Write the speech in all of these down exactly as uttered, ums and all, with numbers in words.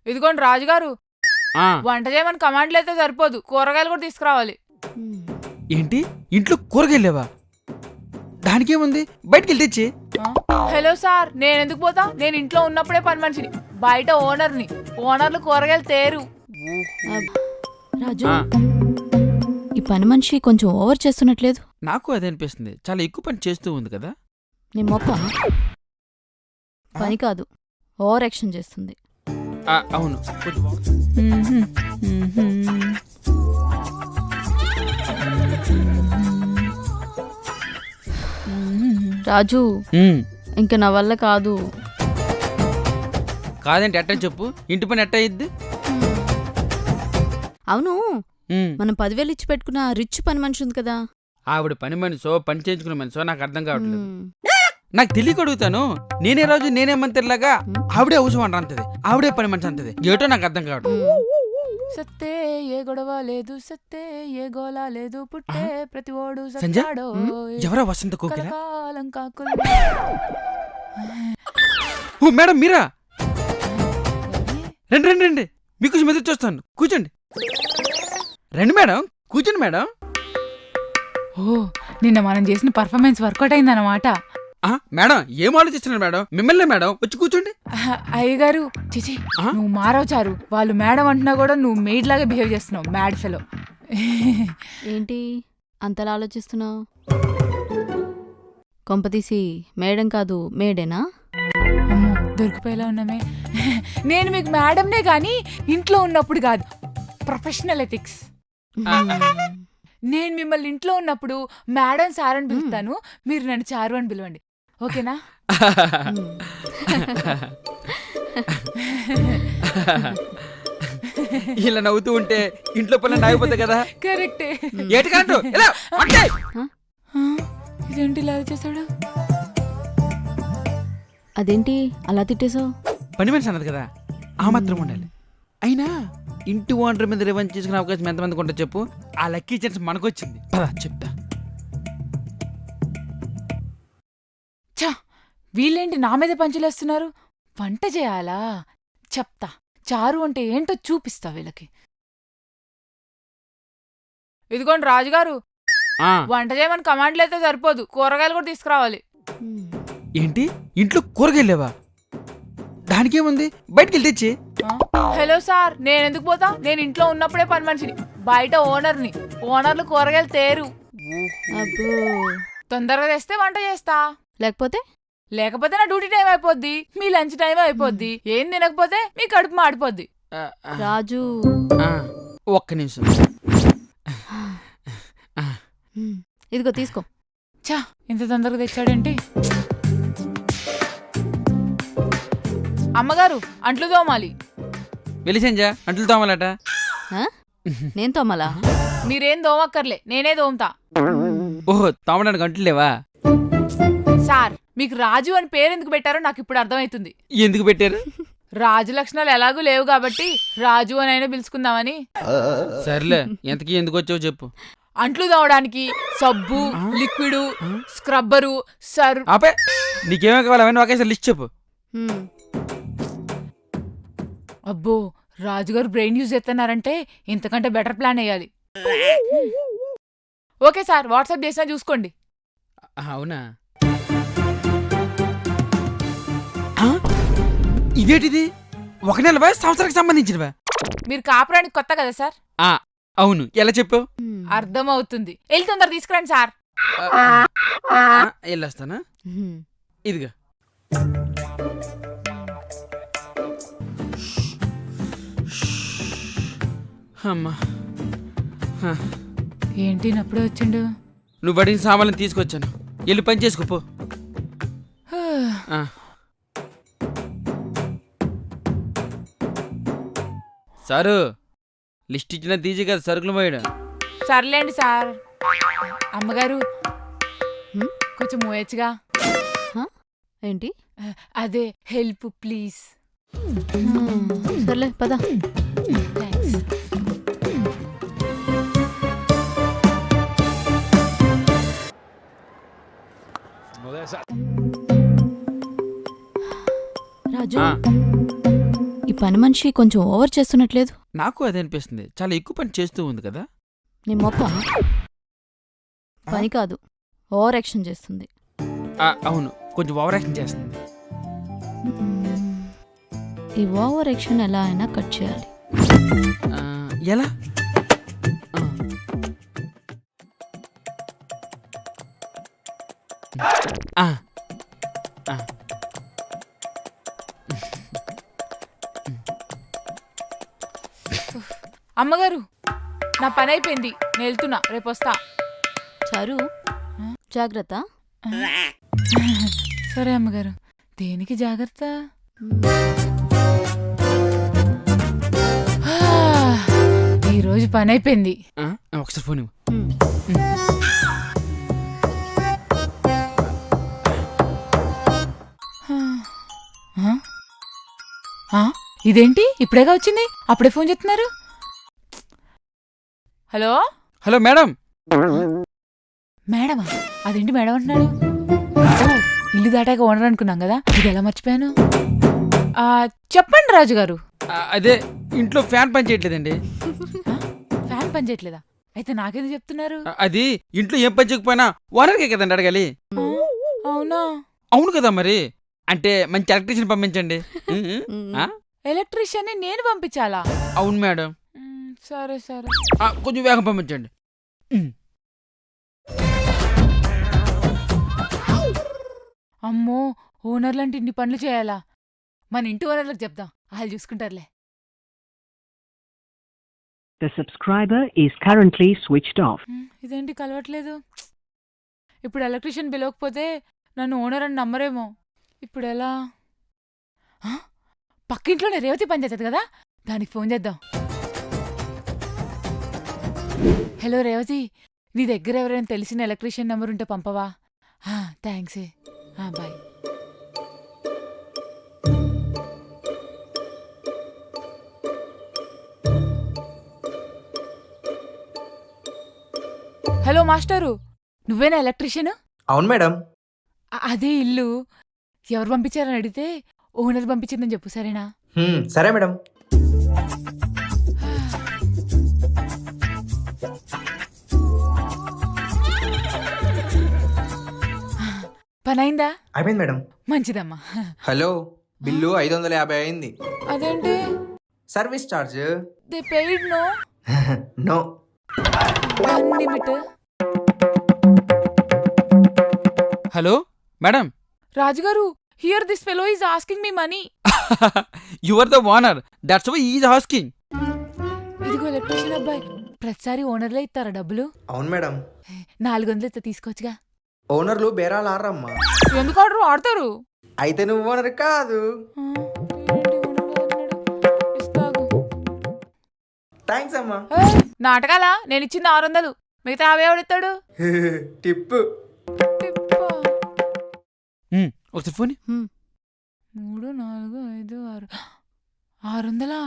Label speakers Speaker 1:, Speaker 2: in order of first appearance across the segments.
Speaker 1: ఇదిగోండి రాజుగారు, వంట చేయమని కమాండ్లు అయితే సరిపోదు, కూరగాయలు కూడా తీసుకురావాలి.
Speaker 2: ఏంటి ఇంట్లో కూరగాయలు లేవా? దానికేముంది, బయటికి వెళ్ళి తెచ్చి.
Speaker 1: హలో సార్, నేను ఎందుకు పోతా? నేను ఇంట్లో ఉన్నప్పుడే పని మనిషిని, బయట ఓనర్ని. ఓనర్లు కూరగాయలు తేరు.
Speaker 3: రాజు, ఈ పని మనిషి కొంచెం ఓవర్ చేస్తున్నట్లేదు?
Speaker 2: నాకు అదే అనిపిస్తుంది, చాలా ఎక్కువ పని చేస్తూ ఉంది కదా.
Speaker 3: నీ మొక్క పని కాదు, ఓవర్ యాక్షన్ చేస్తుంది.
Speaker 2: అవును.
Speaker 3: రాజు, ఇంక నా వల్ల కాదు.
Speaker 2: కాదంటే ఎట్టా చెప్పు, ఇంటి పని ఎట్టా అయ్యిద్ది?
Speaker 3: అవును, మనం పదివేలు ఇచ్చి పెట్టుకున్న రిచ్ పని మనిషి ఉంది కదా,
Speaker 2: ఆవిడ పని మనిషో పని చేయించుకునే మనిషో నాకు అర్థం కావట్లేదు. నాకు తెలియక అడుగుతాను. నేనే రోజు నేనే మంత్రిలాగా ఆవిడే అవసరం అంటది, ఆవిడే పని మనిషి అంటది. ఏటో నాకు అర్థం కావట్లేదు.
Speaker 1: సత్తే ఏ గొడవ లేదు, సత్తే ఏ గోలా లేదు, పుట్టే ప్రతి ఓడు
Speaker 2: సంజయ్, ఎవరా వసంత కోకిల? ఓ మేడం, మీరా? రండి రండి రండి, మీకు మెదడు చూస్తాను, కూర్చోండి. రండి మేడం, కూర్చోండి మేడం.
Speaker 1: ఓ, నిన్న మనం చేసిన పర్ఫార్మెన్స్ వర్కౌట్ అయిందన్నమాట.
Speaker 2: మేడం, ఏం ఆలోచిస్తున్నారు మేడం? మిమ్మల్ని మేడం, వచ్చి కూర్చోండి.
Speaker 1: అయ్యగారు, చిచి, నువ్వు మారవచారు. వాళ్ళు మేడం అంటున్నా కూడా నువ్వు మెయిడ్ లాగా బిహేవ్ చేస్తున్నావు, మ్యాడ్ ఫెలో.
Speaker 3: ఏంటి అంతలా ఆలోచిస్తున్నావు? కొంపతీసి మేడం కాదు, మేడేనా?
Speaker 1: అమ్మో, దొరికిపోయేలా ఉన్నామే. నేను మీకు మేడంనే కానీ ఇంట్లో ఉన్నప్పుడు కాదు. Professional ethics. నేను మిమ్మల్ని ఇంట్లో ఉన్నప్పుడు మేడం సార్ అని పిలుస్తాను, మీరు నన్ను చారు అని పిలవండి, ఓకేనా?
Speaker 2: ఇలా నవ్వుతూ ఉంటే ఇంట్లో పనులు ఆగిపోతాయి కదా.
Speaker 1: కరెక్టే. ఇదేంటి ఇలా చేశాడు?
Speaker 3: అదేంటి అలా తిట్టేశావు?
Speaker 2: పని మనిషి అన్నది కదా, ఆ మాత్రం ఉండాలి. అయినా ఇంటి ఓనర్ మీద రివెంజ్ చేసుకునే అవకాశం ఎంతమందికి ఉంటుంది చెప్పు? ఆ లక్కీ ఛాన్స్ మనకొచ్చింది. పద చెప్తా.
Speaker 1: చా, వీళ్ళేంటి నా మీద పంచులేస్తున్నారు? వంట చేయాలా? చెప్తా, చారు అంటే ఏంటో చూపిస్తా వీళ్ళకి. ఇదిగోండి రాజుగారు, వంట చేయమని కమాండ్లు అయితే సరిపోదు, కూరగాయలు కూడా తీసుకురావాలి.
Speaker 2: ఏంటి ఇంట్లో కూరగాయలు లేవా? దానికేముంది, బయటికి వెళ్ళి తెచ్చి.
Speaker 1: హలో సార్, నేను ఎందుకు పోతా? నేను ఇంట్లో ఉన్నప్పుడే పని మనిషిని, బయట ఓనర్ని. ఓనర్లు కూరగాయలు తేరు.
Speaker 3: అబ్బో,
Speaker 1: తొందరగా తెస్తే వంట చేస్తా,
Speaker 3: లేకపోతే
Speaker 1: లేకపోతే నా డ్యూటీ టైం అయిపోద్ది, మీ లంచ్ టైం అయిపోద్ది. ఏం తినకపోతే మీ కడుపు మాడిపోద్ది.
Speaker 3: రాజు,
Speaker 2: ఒక్క నిమిషం.
Speaker 3: ఇదిగో తీసుకో.
Speaker 1: చా, ఇంత తొందరగా తెచ్చాడేంటి? అమ్మగారు, అంట్లు తోమాలి.
Speaker 2: వెలిసంజా, అంట్లు తోమాలట.
Speaker 3: నేను తోమాలా?
Speaker 1: మీరేం తోమక్కర్లే, నేనే తోముతా.
Speaker 2: ఓహో, తోమడానికి అంట్లు లేవా?
Speaker 1: సార్, మీకు రాజు అని పేరు ఎందుకు పెట్టారో నాకు ఇప్పుడు అర్థమవుతుంది.
Speaker 2: ఎందుకు పెట్టారు?
Speaker 1: రాజు లక్షణాలు ఎలాగూ లేవు కాబట్టి రాజు అని అయినా పిలుచుకుందామని.
Speaker 2: సర్లే, ఎంతకీ ఎందుకు వచ్చావు చెప్పు.
Speaker 1: అంట్లు తోమడానికి సబ్బు, లిక్విడ్, స్క్రబ్బరు, సర్.
Speaker 2: ఆపే, నీకేమో కావాలి అవన్నీ ఒకేసారి లిస్ట్ చెప్పు.
Speaker 1: అబ్బో, రాజుగారు బ్రెయిన్ యూజ్ చేస్తున్నారంటే ఇంతకంటే బెటర్ ప్లాన్ వేయాలి. ఓకే సార్, వాట్సాప్ చేసినా చూసుకోండి.
Speaker 2: అవునా? ఇదేంటిది? ఒక నెల సంవత్సరానికి సంబంధించినవా?
Speaker 1: మీరు కాపురానికి కొత్త కదా సార్?
Speaker 2: అవును. ఎలా చెప్పావు?
Speaker 1: అర్థమవుతుంది. వెళ్ళి తొందర తీసుకురండి సార్.
Speaker 2: వెళ్ళొస్తానా? ఇదిగా. అమ్మా,
Speaker 1: ఏంటి నప్పుడే వచ్చిండు?
Speaker 2: నువ్వు అడిగిన సామాన్లు తీసుకొచ్చాను, వెళ్ళి పని చేసుకోపో. సారు, లిస్ట్ ఇచ్చిన తీసి కదా సరుకులు పోయాడు.
Speaker 1: సర్లేండి సార్. అమ్మగారు, కొంచెం మోయచ్చుగా.
Speaker 3: ఏంటి?
Speaker 1: అదే హెల్ప్ ప్లీజ్.
Speaker 3: సర్లే పద.
Speaker 1: థ్యాంక్స్.
Speaker 3: రాజు, ఈ పని మనిషి కొంచెం ఓవర్ చేస్తున్నట్లేదు.
Speaker 2: నాకు అదే అనిపిస్తుంది, చాలా ఎక్కువ పని చేస్తూ ఉంది కదా.
Speaker 3: నీ మొప్ప పని కాదు, ఓవర్ యాక్షన్ చేస్తుంది.
Speaker 2: ఆ, అవును, కొంచెం ఓవర్ యాక్షన్ చేస్తుంది.
Speaker 3: మ్మ్. ఈ ఓవర్ యాక్షన్ ఎలా అయినా కట్ చేయాలి.
Speaker 2: ఆ, ఎలా? ఆ. ఆ, ఆ.
Speaker 1: అమ్మగారు, నా పని అయిపోయింది, నేను వెళ్తున్నా, రేపు వస్తా.
Speaker 3: చారు జాగ్రత్త.
Speaker 1: సరే అమ్మగారు. దేనికి జాగ్రత్త? ఆ, ఈరోజు పని అయిపోయింది.
Speaker 2: ఆ, ఒకసారి ఫోన్ ఇవ్వు.
Speaker 3: మ్మ్.
Speaker 1: ఆ? ఆ? ఇదేంటి ఇప్పుడేగా వచ్చింది, అప్పుడే ఫోన్ చేస్తున్నారు? Hello
Speaker 2: hello madam.
Speaker 1: మేడమా? అదేంటి మేడం అంటున్నాడు? ఓ, ఇల్లు దాటాక ఓనర్ అనుకున్నాం కదా, ఇది ఎలా మర్చిపోయాను? ఆ, చెప్పండి రాజుగారు.
Speaker 2: ఆ, అదే ఇంట్లో ఫ్యాన్ పని చేయట్లేదండి.
Speaker 1: ఆ, ఫ్యాన్ పని చేయట్లేదా? అయితే నాకేందుకు చెప్తున్నారు?
Speaker 2: ఆ, అది ఇంట్లో ఏం పని చేయకపోయినా ఓనర్కే కదండి అడగాలి.
Speaker 1: ఆ, అవునా?
Speaker 2: అవును కదా మరి. అంటే మంచి ఎలక్ట్రీషియన్ పంపించండి. ఉమ్, ఉమ్. ఆ?
Speaker 1: ఎలక్ట్రీషియన్ని నేను పంపించాలా?
Speaker 2: అవును మేడం.
Speaker 1: మ్, సరే సరే.
Speaker 2: ఆ, కొంచెం వేగం పంపించండి. ఉమ్.
Speaker 1: అమ్మో, ఓనర్లంటే ఇన్ని పనులు చేయాలా? మన ఇంటి ఓనర్లకు చెప్దాం, వాళ్ళు చూసుకుంటారులే.
Speaker 4: The subscriber is currently switched off.
Speaker 1: మ్, ఇదేంటి కలవట్లేదు? ఇప్పుడు ఎలక్ట్రీషియన్ పిలవకపోతే నన్ను ఓనర్ అని నమ్మరేమో. ఇప్పుడు ఎలా? ఆ, పక్కింట్లోనే రేవతి పని చేస్తుంది కదా, దానికి ఫోన్ చేద్దాం. హలో రేవతి, నీ దగ్గర ఎవరైనా తెలిసిన ఎలక్ట్రీషియన్ నెంబర్ ఉంటే పంపవా? థ్యాంక్స్. బాయ్. హలో మాస్టరు, నువ్వేనా ఎలక్ట్రీషియన్?
Speaker 5: అవును మేడం.
Speaker 1: అదే ఇల్లు ఎవరు పంపించారని అడిగితే ఓనర్ పంపించిందని చెప్పు, సరేనా?
Speaker 5: హ్మ్, సరే మేడం.
Speaker 1: పనైందా?
Speaker 5: అయిపోయింది మేడం.
Speaker 1: మంచిదమ్మా.
Speaker 5: హలో, బిల్లు ఐదు వందల యాభై అయింది.
Speaker 1: అదేంటి?
Speaker 5: Service charge
Speaker 1: they paid no
Speaker 5: no.
Speaker 1: One limit.
Speaker 2: Hello madam.
Speaker 1: రాజుగారు, here this fellow is asking me money.
Speaker 2: You are the owner, that's why is asking.
Speaker 1: ఇదిగో ఎలక్ట్రీషియన్ అబ్బాయి, ప్రతిసారి ఓనర్లే ఇస్తారా డబ్బులు?
Speaker 5: అవును మేడం.
Speaker 1: నాలుగు వందలు ఇస్తే తీసుకోవచ్చుగా.
Speaker 5: ఓనర్లు బేరాలు ఆడరమ్మా.
Speaker 1: ఎందుకు ఆర్డర్ ఆడతారు?
Speaker 5: అయితే నువ్వు ఓనర్ కాదు.
Speaker 1: ఆ, ఏంటి ఓనర్ అన్నాడు? ఇస్తాగు.
Speaker 5: థ్యాంక్స్ అమ్మా.
Speaker 1: ఏయ్, నాటకాలా? నేను ఇచ్చింది ఆరు వందలు, మిగతా అవే ఎవడిస్తాడు?
Speaker 5: టిప్పు.
Speaker 1: టిప్పా.
Speaker 2: ఉమ్, ఒకసారి ఫోన్ ఇవ్వు.
Speaker 3: మ్మ్.
Speaker 1: మూడు నాలుగు ఐదు ఆరు ఆరు వందలా?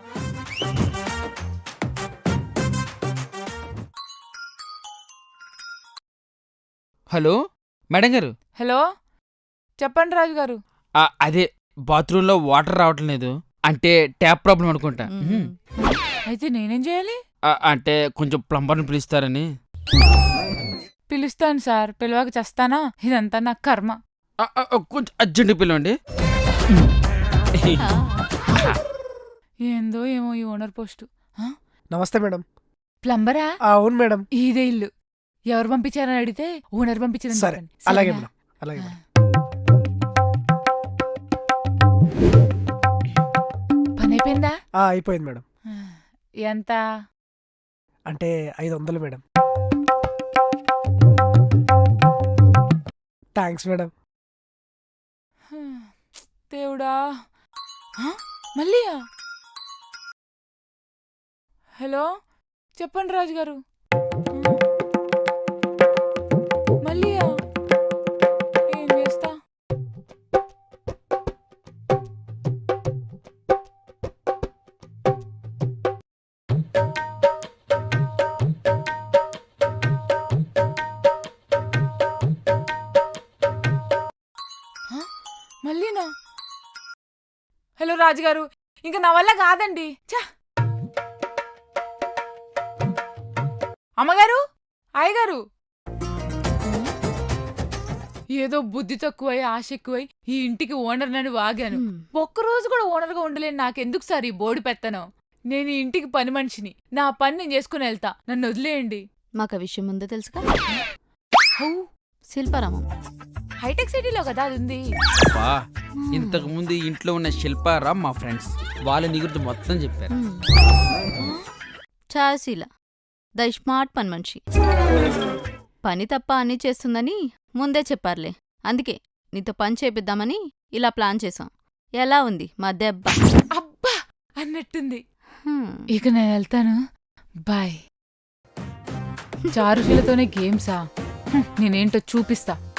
Speaker 2: హలో మేడం గారు.
Speaker 1: హలో, చెప్పండి రాజుగారు.
Speaker 2: ఆ, అదే బాత్రూంలో వాటర్ రావటం లేదు, అంటే ట్యాప్ ప్రాబ్లం అనుకుంటా.
Speaker 3: మ్మ్.
Speaker 1: అయితే నేనేం చేయాలి?
Speaker 2: ఆ, అంటే కొంచెం ప్లంబర్ని పిలుస్తారని.
Speaker 1: పిలుస్తాను సార్, పిలవక చేస్తానా? ఇదంతా నా కర్మ.
Speaker 2: ఆ, ఆ, ఆ, కొంచెం అర్జెంట్ పిలవండి.
Speaker 1: ఏందో ఏమో ఈ ఓనర్ పోస్టు. ఆ?
Speaker 6: నమస్తే మేడం.
Speaker 1: ప్లంబరా?
Speaker 6: ఆ, అవును మేడం.
Speaker 1: ఇదే ఇల్లు. ఎవరు పంపించారని అడిగితే ఓనర్ పంపించారని
Speaker 6: సరే,
Speaker 1: చెప్పండి.
Speaker 6: అలాగే
Speaker 1: సరేనా?
Speaker 6: మేడం, అలాగే
Speaker 1: ఆ.
Speaker 6: మేడం.
Speaker 1: పని అయిపోయిందా?
Speaker 6: ఆ, అయిపోయింది మేడం.
Speaker 1: ఆ, ఎంత?
Speaker 6: అంటే ఐదు వందలు మేడం. Thanks madam.
Speaker 1: హ, దేవుడా. ఆ, మళ్ళీయా? హలో, చెప్పండి రాజుగారు. మళ్ళీయా? ఏం చేస్తా? మళ్ళీనా? హలో రాజుగారు, ఇంకా నా వల్ల కాదండి. ఛ! అమ్మగారు, అయ్యగారు, ఏదో బుద్ధి తక్కువై ఆశ ఎక్కువై ఈ ఇంటికి ఓనర్ నని వాగాను.
Speaker 3: హ్మ్.
Speaker 1: ఒక్కరోజు కూడా ఓనర్గా ఉండలేను. నాకెందుకు సార్ ఈ బోడి పెత్తనం? నేను ఈ ఇంటికి పని మనిషిని. నా పని నేను చేసుకుని వెళ్తా. నన్ను వదిలేయండి.
Speaker 3: మాకు ఆ విషయం ముందే తెలుసుగా.
Speaker 1: హౌ?
Speaker 3: శిల్పారామం.
Speaker 1: హైటెక్ సిటీలో కదా అది ఉంది.
Speaker 2: బా ఇంతకు ముందు ఈ ఇంట్లో ఉన్న శిల్పారాం మా ఫ్రెండ్స్ వాళ్ళ నీ గురించి మొత్తం చెప్పారు.
Speaker 3: హ్మ్. ఛాయశీల ద స్మార్ట్ పని మనిషి. పని తప్ప అన్నీ చేస్తుందని ముందే చెప్పారులే. అందుకే నీతో పని చేపిద్దామని ఇలా ప్లాన్ చేశాం. ఎలా ఉంది మా దెబ్బ?
Speaker 1: అబ్బా అన్నట్టుంది.
Speaker 3: హ్మ్.
Speaker 1: ఇక నేను వెళ్తాను. బాయ్. చారుశీలతోనే గేమ్సా? హ్మ్, నేనేంటో చూపిస్తా.